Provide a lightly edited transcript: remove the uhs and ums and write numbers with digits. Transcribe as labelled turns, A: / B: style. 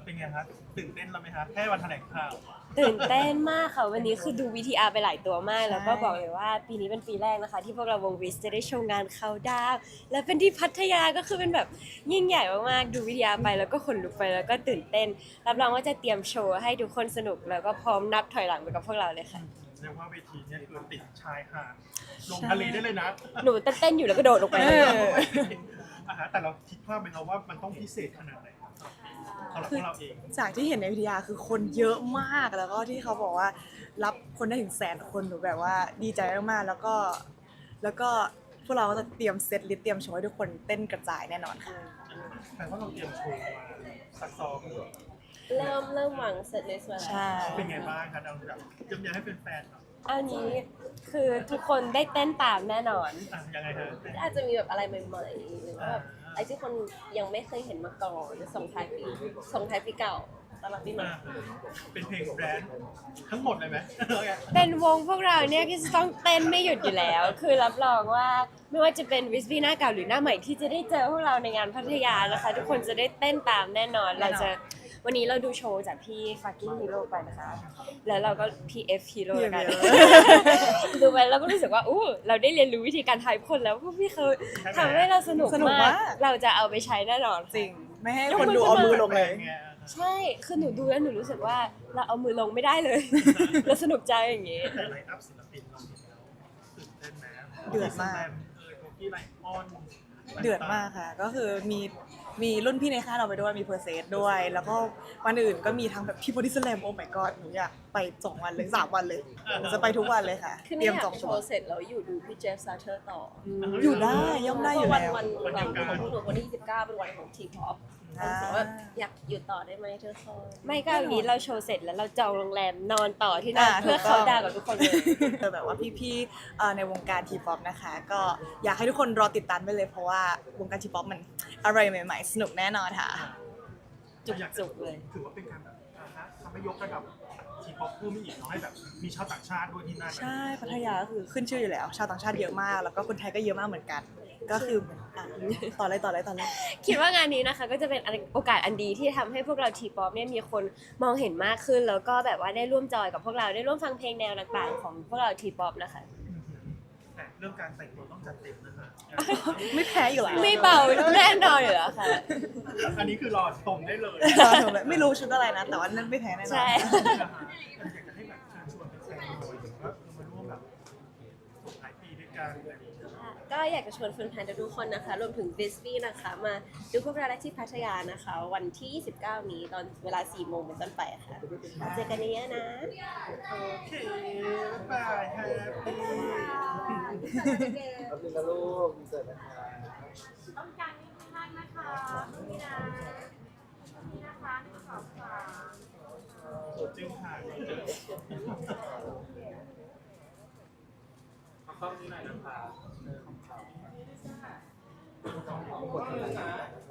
A: เป็นไงครับตื่นเต้นแล้วไหมครับแค่วันแถลงข่าว
B: ตื่นเต้นมากค่ะวันนี้คือดู VTR ไปหลายตัวมากแล้วก็บอกเลยว่าปีนี้เป็นปีแรกนะคะที่พวกเราวงวิสจะได้โชว์งานเขาดาวและเป็นที่พัทยาก็คือเป็นแบบยิ่งใหญ่มากๆดู VTR ไปแล้วก็ขนลุกไปแล้วก็ตื่นเต้นรับรองว่าจะเตรียมโชว์ให้ทุกคนสนุกแล้วก็พร้อมนับถอยหลังไปกับพวกเราเลยค่ะ
A: เรียกว่าเวทีเนี่ยคือติดชายหาดลงทะเลได้เลยนะ
B: หนูเต้นๆอยู่แล้วก็โดดลงไปเลย
A: แต่เราคิดภาพไหมครับว่ามันต้องพิเศษขนาดไหนครับสำหรับพวกเราเอง
C: จากที่เห็นในวิทยาคือคนเยอะมากแล้วก็ที่เขาบอกว่ารับคนได้ถึง100,000 คนหนูแบบว่าดีใจมากๆแล้วก็พวกเราก็จะเตรียมเซตลิสต์เตรียมโชว์ให้ทุกคนเต้นกระจายแน่นอนค่ะ
A: แต่ว่าเราเตรียมโชว์มาซักซ้อม
B: เริ่มวางเสร็จในส่วนแล้ว
C: ใช่
A: เป็นไงบ้างครับเราแบบจำยังให้เป็นแฟนๆหน่อย
B: อันนี้คือทุกคนได้เต้นตามแน่นอน
A: ยังไงฮะ
B: อาจจะมีแบบอะไรใหม่ๆหรือว่าแบบไอ้ที่คนยังไม่เคยเห็นมาก่อนส่งท้ายปีเก่าตลอดปีใหม่
A: เป็นเพลงแบรนด์ทั้งหมดเลยไหม
B: เป็นวงพวกเราเนี่ยก็จะต้องเต้นไม่หยุดอยู่แล้ว คือรับรองว่าไม่ว่าจะเป็นวิสบี้หน้าเก่าหรือหน้าใหม่ที่จะได้เจอพวกเราในงานพัทยานะคะ ทุกคนจะได้เต้นตามแน่นอน วันนี้เราดูโชว์จากพี่ fucking hero ไปนะคะ แล้วเราก็ PF hero แล้วกันดูไปแล้วก็รู้สึกว่าเราได้เรียนรู้วิธีการทายคนแล้วพวกพี่เขาทำให้เราสนุกมากเราจะเอาไปใช้แน่นอน
C: จริงไม่ให้คนดูเอามือลงเลย
B: ใช่คือหนูดูแล้วหนูรู้สึกว่าเราเอามือลงไม่ได้เลย เราสนุกใจอย่างงี้
A: แต่ไลน์อัพศิลปินเราเห็นแล้วตื่นเต้นนะ
C: เดือดมาก
A: โบกี้ไลออน
C: เดือดมากค่ะก็คือมีรุ่นพี่ในค่ายเราไปด้วยมีเพอร์เซสด้วย แล้วก็วันอื่นก็มีทั้งแบบพี่บอดี้สแลมโอ้ my god หนูอยากไป2 วันเลย3 วันเลยหนูจะไปทุกวันเลยค่ะ
B: คือ
C: เต
B: ไม่
C: รียม
B: อยา
C: จอก ง
B: โช
C: ตัว
B: ว์เสร็จแล้วอยู่ดูพี่เจฟซาเทอร์ต่อ
C: อยู่ได้ย่อมได้อยู่แล้ว
B: วันของพวกหนูวันที่29เป็นวันของทีพอปรู้สึกว่าอยากอยู่ต่อได้ไหมเธอคอยไม่ก็วันนี้เราโชว์เสร็จแล้วเราจองโรงแรมนอนต่อที่นั่นเพื่อเขาดาวกับทุกคนเลย
C: แบบว่าพี่ๆในวงการทีป๊อปนะคะ ก็อยากให้ทุกคนรอติดตามไปเลยเพราะว่าวงการทีป๊อปมันอะไรใหม่ๆ สนุกแน่นอนค่ะ
B: จุกๆเลย
A: ถือว่าเป็นการแบบทำให้ยกระดับทีป๊อปเพิ่มอีกเนาะให้แบบมีชาวต่างชาติด้วยที่นั่น
C: ใช่พัทยาก็คือขึ้นชื่ออยู่แล้ว ชาวต่างชาติเยอะมาก แล้วก็คนไทยก็เยอะมากเหมือนกัน ก็คือต่อเลย
B: คิดว่างานนี้นะคะก็จะเป็นโอกาสอันดีที่ทำให้พวกเราทีป๊อปเนี่ยมีคนมองเห็นมากขึ้น แล้วก็แบบว่าได้ร่วมจอยกับพวกเราได้ร่วมฟังเพลงแนวต่างๆของพวกเราทีป๊อปนะคะ
A: แต่เรื่องการแต่งตัวต้องจัดเต็มนะคะ
C: ไม่แพ้อยู่แล้ว
B: ไม่เบาแน่นอนอยู่แล้วค่ะ
A: อันนี้คือรอชมได้เลย
C: ไม่รู้ชุดอะไรนะ แต่ว่านั่นไม่แพ้แน่นอน
B: ใช่
A: อยากจะให้แบบเชิญชวนแฟนๆหน่อยถึงว่ามาร่วมแบบส่งท้ายปีด้วยกันอะไรอย่างเงี้ย
B: ก็อยากจะชวนแฟนๆทุกคนนะคะรวมถึงวิสบี้นะคะมาดูพวกเราได้ที่พัทยานะคะ วันที่ 29 นี้ตอนเวลา 4 โมงเป็นต้นไปค่ะเจอกันเยอะๆนะ
A: โอเคบ๊ายบายแฮปปี้
D: ขอบคุณนะลูกมีเสร็จนะคะ
E: ต้องการนิดนึงนะคะตรงนี้นะตรงนี้นะคะ1 2 3
A: จึงผ่าน
D: เอาเข้านี้หน่อยนะคะ
A: ขอบคุณนะ